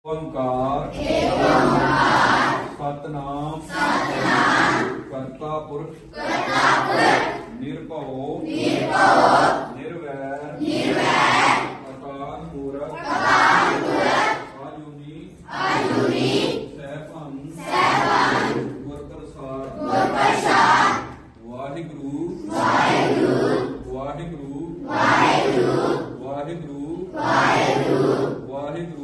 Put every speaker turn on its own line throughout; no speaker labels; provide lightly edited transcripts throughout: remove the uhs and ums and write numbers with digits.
ओंकार सतनाम करता पुरख निर्भव निर्वैर अकाल मूरत आजुनी सहभन गुर प्रसाद वाहिगुरु वाहिगुरु वाहिगुरु वाहिगुरु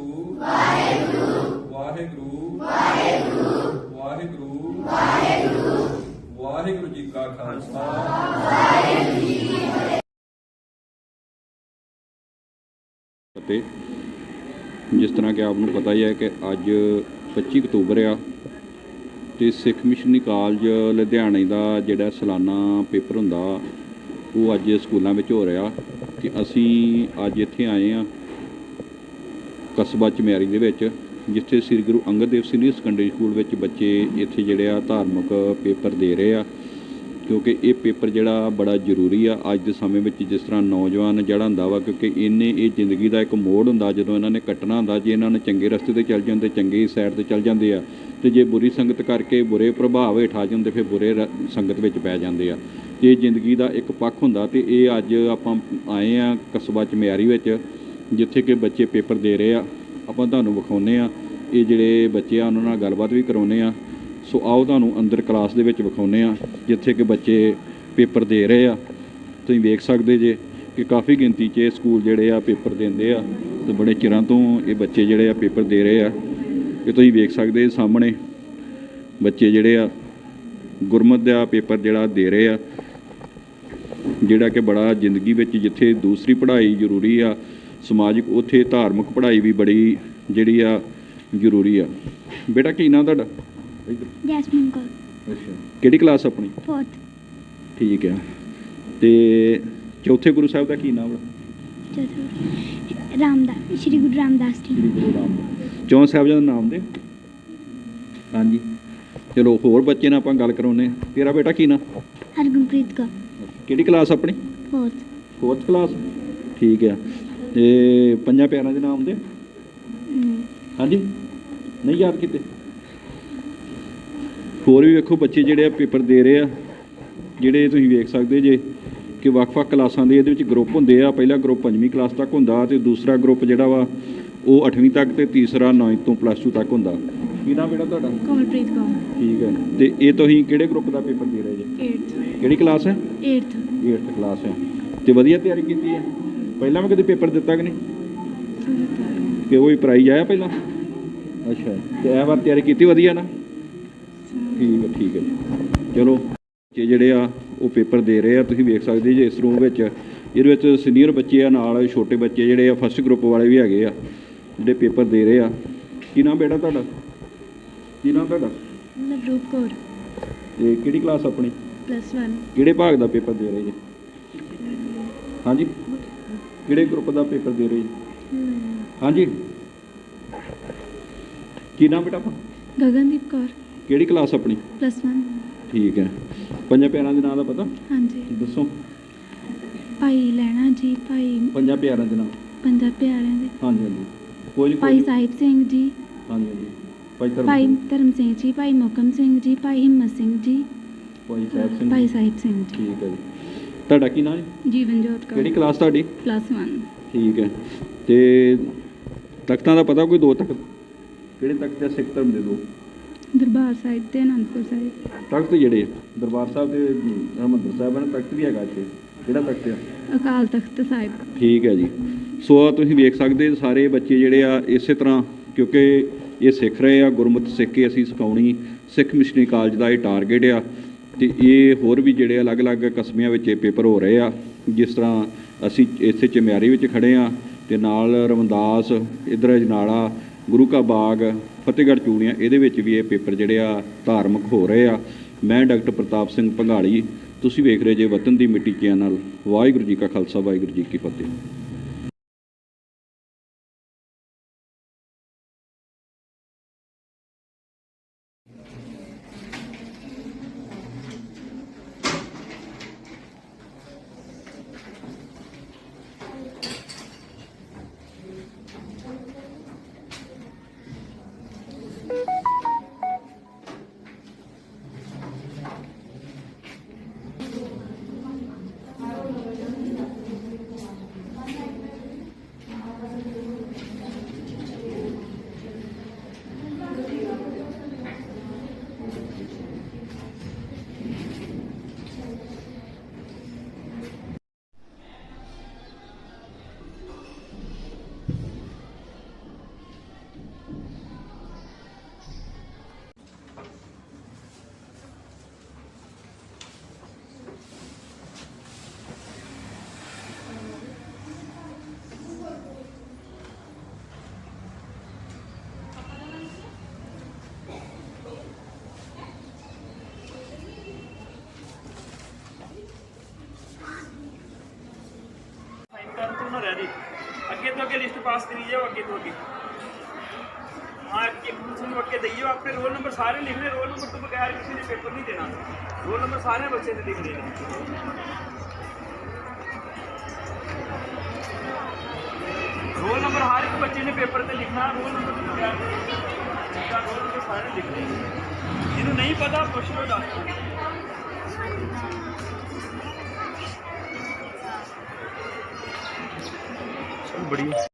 वाहिगुरु जी का खालसा ਅਤੇ ਜਿਸ ਤਰ੍ਹਾਂ ਕਿ ਆਪ ਨੂੰ ਪਤਾ ਹੀ ਹੈ ਕਿ ਅੱਜ 25 ਅਕਤੂਬਰ ਆ ਤੇ ਸਿੱਖ ਮਿਸ਼ਨਰੀ ਕਾਲਜ ਲੁਧਿਆਣੇ ਦਾ ਜਿਹੜਾ ਸਾਲਾਨਾ ਪੇਪਰ ਹੁੰਦਾ ਉਹ ਅੱਜ ਸਕੂਲਾਂ ਵਿੱਚ ਹੋ ਰਿਹਾ ਤੇ ਅਸੀਂ ਅੱਜ ਇੱਥੇ ਆਏ ਆ ਕਸਬਾ ਚਮਿਆਰੀ ਦੇ ਵਿੱਚ ਜਿੱਥੇ Sri Guru Angad Dev senior secondary school ਵਿੱਚ ਬੱਚੇ ਇੱਥੇ ਜਿਹੜੇ ਆ ਧਾਰਮਿਕ ਪੇਪਰ ਦੇ ਰਹੇ ਆ ਕਿਉਂਕਿ ਇਹ ਪੇਪਰ ਜਿਹੜਾ ਬੜਾ ਜ਼ਰੂਰੀ ਆ ਅੱਜ ਦੇ ਸਮੇਂ ਵਿੱਚ ਜਿਸ ਤਰ੍ਹਾਂ ਨੌਜਵਾਨ ਜਿਹੜਾ ਹੁੰਦਾ ਵਾ ਕਿਉਂਕਿ ਇਹਨੇ ਇਹ ਜ਼ਿੰਦਗੀ ਦਾ ਇੱਕ ਮੋੜ ਹੁੰਦਾ ਜਦੋਂ ਇਹਨਾਂ ਨੇ ਕੱਟਣਾ ਹੁੰਦਾ ਜੇ ਇਹਨਾਂ ਨੇ ਚੰਗੇ ਰਸਤੇ 'ਤੇ ਚੱਲ ਜਾਂਦੇ ਚੰਗੀ ਸਾਈਡ 'ਤੇ ਚੱਲ ਜਾਂਦੇ ਆ ਅਤੇ ਜੇ ਬੁਰੀ ਸੰਗਤ ਕਰਕੇ ਬੁਰੇ ਪ੍ਰਭਾਵ ਹੇਠ ਆ ਜਾਂਦੇ ਫਿਰ ਬੁਰੇ ਸੰਗਤ ਵਿੱਚ ਪੈ ਜਾਂਦੇ ਆ ਅਤੇ ਜ਼ਿੰਦਗੀ ਦਾ ਇੱਕ ਪੱਖ ਹੁੰਦਾ ਅਤੇ ਇਹ ਅੱਜ ਆਪਾਂ ਆਏ ਆ ਕਸਬਾ ਚਮਿਆਰੀ ਵਿੱਚ ਜਿੱਥੇ ਕਿ ਬੱਚੇ ਪੇਪਰ ਦੇ ਰਹੇ ਆ ਆਪਾਂ ਤੁਹਾਨੂੰ ਵਿਖਾਉਂਦੇ ਆ ਇਹ ਜਿਹੜੇ ਬੱਚੇ ਆ ਉਹਨਾਂ ਨਾਲ ਗੱਲਬਾਤ ਵੀ ਕਰਾਉਂਦੇ ਆ ਸੋ ਆਓ ਤੁਹਾਨੂੰ ਅੰਦਰ ਕਲਾਸ ਦੇ ਵਿੱਚ ਵਿਖਾਉਂਦੇ ਆ ਜਿੱਥੇ ਕਿ ਬੱਚੇ ਪੇਪਰ ਦੇ ਰਹੇ ਆ ਤੁਸੀਂ ਵੇਖ ਸਕਦੇ ਜੇ ਕਿ ਕਾਫੀ ਗਿਣਤੀ 'ਚ ਇਹ ਸਕੂਲ ਜਿਹੜੇ ਆ ਪੇਪਰ ਦਿੰਦੇ ਆ ਅਤੇ ਬੜੇ ਚਿਰਾਂ ਤੋਂ ਇਹ ਬੱਚੇ ਜਿਹੜੇ ਆ ਪੇਪਰ ਦੇ ਰਹੇ ਆ ਇਹ ਤੁਸੀਂ ਵੇਖ ਸਕਦੇ ਸਾਹਮਣੇ ਬੱਚੇ ਜਿਹੜੇ ਆ ਗੁਰਮਤਿ ਦਾ ਪੇਪਰ ਜਿਹੜਾ ਦੇ ਰਹੇ ਆ ਜਿਹੜਾ ਕਿ ਬੜਾ ਜ਼ਿੰਦਗੀ ਵਿੱਚ ਜਿੱਥੇ ਦੂਸਰੀ ਪੜ੍ਹਾਈ ਜ਼ਰੂਰੀ ਆ ਸਮਾਜਿਕ ਉੱਥੇ ਧਾਰਮਿਕ ਪੜ੍ਹਾਈ ਵੀ ਬੜੀ ਜਿਹੜੀ ਆ ਜ਼ਰੂਰੀ ਆ ਬੇਟਾ ਕੀ ਨਾਂ ਤੁਹਾਡਾ
ਜੈਸਮੀਨ ਕੌਰ
ਅੱਛਾ ਕਿਹੜੀ ਕਲਾਸ ਆਪਣੀ
4th
ਠੀਕ ਆ ਤੇ ਚੌਥੇ ਗੁਰੂ ਸਾਹਿਬ ਦਾ ਕੀ ਨਾਮ
ਰਾਮਦਾਸ ਸ਼੍ਰੀ ਗੁਰੂ ਰਾਮਦਾਸ ਜੀ
ਸ੍ਰੀ ਗੁਰੂ ਰਾਮਦਾਸ ਚੌਂ ਸਾਹਿਬਜ਼ਾਦੇ ਦਾ ਨਾਮ ਦੇ ਹਾਂਜੀ ਚਲੋ ਹੋਰ ਬੱਚੇ ਨਾਲ ਆਪਾਂ ਗੱਲ ਕਰਾਉਂਦੇ ਹਾਂ ਤੇਰਾ ਬੇਟਾ ਕੀ ਨਾਂ
ਹਰਗੁਣਪ੍ਰੀਤ ਕੌਰ
ਕਿਹੜੀ ਕਲਾਸ ਆਪਣੀ 4th ਕਲਾਸ ਠੀਕ ਆ ਤੇ ਪੰਜਾਂ ਪਿਆਰਿਆਂ ਦੇ ਨਾਮ ਦੇ ਹਾਂਜੀ ਨਹੀਂ ਯਾਦ ਕੀਤੇ ਹੋਰ ਵੀ ਵੇਖੋ ਬੱਚੇ ਜਿਹੜੇ ਆ ਪੇਪਰ ਦੇ ਰਹੇ ਆ ਜਿਹੜੇ ਤੁਸੀਂ ਵੇਖ ਸਕਦੇ ਜੇ ਕਿ ਵੱਖ-ਵੱਖ ਕਲਾਸਾਂ ਦੇ ਇਹਦੇ ਵਿੱਚ ਗਰੁੱਪ ਹੁੰਦੇ ਆ ਪਹਿਲਾ ਗਰੁੱਪ 5ਵੀਂ ਕਲਾਸ ਤੱਕ ਹੁੰਦਾ ਤੇ ਦੂਸਰਾ ਗਰੁੱਪ ਜਿਹੜਾ ਵਾ ਉਹ 8ਵੀਂ ਤੱਕ ਤੇ ਤੀਸਰਾ 9ਵੀਂ ਤੋਂ +2 ਤੱਕ ਹੁੰਦਾ ਕੀ ਨਾਮ ਬੇਟਾ ਤੁਹਾਡਾ
ਕਮਲਪ੍ਰੀਤ ਕੌਰ
ਠੀਕ ਹੈ ਤੇ ਇਹ ਤੁਸੀਂ ਕਿਹੜੇ ਗਰੁੱਪ ਦਾ ਪੇਪਰ ਦੇ ਰਹੇ ਜੇ
8th
ਕਿਹੜੀ ਕਲਾਸ ਹੈ
8th
ਕਲਾਸ ਹੈ ਤੇ ਵਧੀਆ ਤਿਆਰੀ ਕੀਤੀ ਹੈ ਪਹਿਲਾਂ ਵੀ ਕਦੇ ਪੇਪਰ ਦਿੱਤਾ ਕਿ ਨਹੀਂ ਕਿ ਉਹ ਹੀ ਪ੍ਰਾਈਜ਼ ਆਇਆ ਪਹਿਲਾਂ ਅੱਛਾ ਤੇ ਇਹ ਵਾਰ ਤਿਆਰੀ ਕੀਤੀ ਵਧੀਆ ਨਾ ਠੀਕ ਹੈ ਚਲੋ ਬੱਚੇ ਜਿਹੜੇ ਆ ਉਹ ਪੇਪਰ ਦੇ ਰਹੇ ਆ ਤੁਸੀਂ ਵੇਖ ਸਕਦੇ ਜੇ ਇਸ ਰੂਮ ਵਿੱਚ ਇਹਦੇ ਵਿੱਚ ਸੀਨੀਅਰ ਬੱਚੇ ਆ ਨਾਲ ਛੋਟੇ ਬੱਚੇ ਜਿਹੜੇ ਆ ਫਸਟ ਗਰੁੱਪ ਵਾਲੇ ਵੀ ਹੈਗੇ ਆ ਜਿਹੜੇ ਪੇਪਰ ਦੇ ਰਹੇ ਆ ਕੀ ਨਾਮ ਬੇਟਾ ਤੁਹਾਡਾ
ਨਵਰੂਪ ਕੌਰ
ਤੇ ਕਿਹੜੀ ਕਲਾਸ ਆਪਣੀ
+1
ਕਿਹੜੇ ਭਾਗ ਦਾ ਪੇਪਰ ਦੇ ਰਹੇ ਜੀ ਹਾਂਜੀ ਕਿਹੜੇ ਗਰੁੱਪ ਦਾ ਪੇਪਰ ਦੇ ਰਹੇ ਜੀ ਹਾਂਜੀ ਕੀ ਨਾਮ ਬੇਟਾ ਆਪਣਾ
ਗਗਨਦੀਪ ਕੌਰ
ਕਿਹੜੀ ਕਲਾਸ ਆਪਣੀ
+1 ਠੀਕ
ਹੈ ਪੰਜਾਂ ਪਿਆਰਿਆਂ ਦੇ ਨਾਂ ਦਾ ਪਤਾ
ਹਾਂਜੀ
ਦੱਸੋ
ਭਾਈ ਲੈਣਾ ਜੀ ਭਾਈ
ਪੰਜਾਂ ਪਿਆਰਿਆਂ ਦੇ ਨਾਮ
ਪੰਜਾਂ ਪਿਆਰਿਆਂ ਦੇ
ਹਾਂਜੀ ਕੋਈ
ਭਾਈ ਸਾਹਿਬ ਸਿੰਘ ਜੀ
ਹਾਂਜੀ
ਭਾਈ ਧਰਮ ਸਿੰਘ ਜੀ ਭਾਈ ਮੋਕਮ ਸਿੰਘ ਜੀ ਭਾਈ ਹਿੰਮਤ ਸਿੰਘ ਜੀ ਭਾਈ ਸਾਹਿਬ ਸਿੰਘ ਜੀ
ਠੀਕ ਹੈ ਜੀ ਤੁਹਾਡਾ ਕੀ ਨਾਮ ਹੈ
ਜੀਵਨਜੋਤ ਕੌਰ
ਕਿਹੜੀ ਕਲਾਸ ਤੁਹਾਡੀ
+1
ਠੀਕ ਹੈ ਤੇ ਤਖਤਾਂ ਦਾ ਪਤਾ ਕੋਈ ਦੋ ਤਖਤ ਕਿਹੜੇ ਤਖਤ ਆ ਸਿੱਖ ਧਰਮ ਦੇ ਦੋ
ਦਰਬਾਰ ਸਾਹਿਬ ਤੇ ਅਨੰਦਪੁਰ ਸਾਹਿਬ
ਤਖਤ ਜਿਹੜੇ ਦਰਬਾਰ ਸਾਹਿਬ ਤੇ ਹਰਿਮੰਦਰ ਸਾਹਿਬ ਨੇ ਤਖਤ ਵੀ ਹੈਗਾ ਇੱਥੇ ਕਿਹੜਾ ਤਖਤ ਆ
ਅਕਾਲ ਤਖਤ ਸਾਹਿਬ
ਠੀਕ ਹੈ ਜੀ ਸੋ ਤੁਸੀਂ ਵੇਖ ਸਕਦੇ ਸਾਰੇ ਬੱਚੇ ਜਿਹੜੇ ਆ ਇਸੇ ਤਰ੍ਹਾਂ ਕਿਉਂਕਿ ਇਹ ਸਿੱਖ ਰਹੇ ਆ ਗੁਰਮਤਿ ਸਿੱਖ ਕੇ ਅਸੀਂ ਸਿਖਾਉਣੀ ਸਿੱਖ ਮਿਸ਼ਨਰੀ ਕਾਲਜ ਦਾ ਇਹ ਟਾਰਗੇਟ ਆ ਅਤੇ ਇਹ ਹੋਰ ਵੀ ਜਿਹੜੇ ਅਲੱਗ-ਅਲੱਗ ਕਸਬਿਆਂ ਵਿੱਚ ਇਹ ਪੇਪਰ ਹੋ ਰਹੇ ਆ ਜਿਸ ਤਰ੍ਹਾਂ ਅਸੀਂ ਇੱਥੇ ਚਮਿਆਰੀ ਵਿੱਚ ਖੜ੍ਹੇ ਹਾਂ ਅਤੇ ਨਾਲ ਰਮਦਾਸ ਇੱਧਰ ਅਜਨਾਲਾ ਗੁਰੂ ਕਾ ਬਾਗ ਫਤਿਹਗੜ੍ਹ ਚੂੜੀਆਂ ਇਹਦੇ ਵਿੱਚ ਵੀ ਇਹ ਪੇਪਰ ਜਿਹੜੇ ਆ ਧਾਰਮਿਕ ਹੋ ਰਹੇ ਆ ਮੈਂ ਡਾਕਟਰ ਪ੍ਰਤਾਪ ਸਿੰਘ ਭੰਗਾਲੀ ਤੁਸੀਂ ਵੇਖ ਰਹੇ ਜੇ ਵਤਨ ਦੀ ਮਿੱਟੀ ਚੈਨਲ ਵਾਹਿਗੁਰੂ ਜੀ ਕਾ ਖਾਲਸਾ ਵਾਹਿਗੁਰੂ ਜੀ ਕੀ ਫਤਿਹ
पास करी जाओ अगे तो अगे। हाँ एक दूसरे को अगे दइयो। अपने रोल नंबर सारे लिखने, रोल नंबर तो बगैर किसी ने पेपर नहीं देना, रोल नंबर सारे बच्चे ने लिखने हैं। रोल नंबर हर एक बच्चे ने पेपर पे लिखना, रोल नंबर तो बगैर रोल नंबर सारे लिखने। जिन्होंने नहीं पता पूछ लो डॉक्टर। बढ़िया।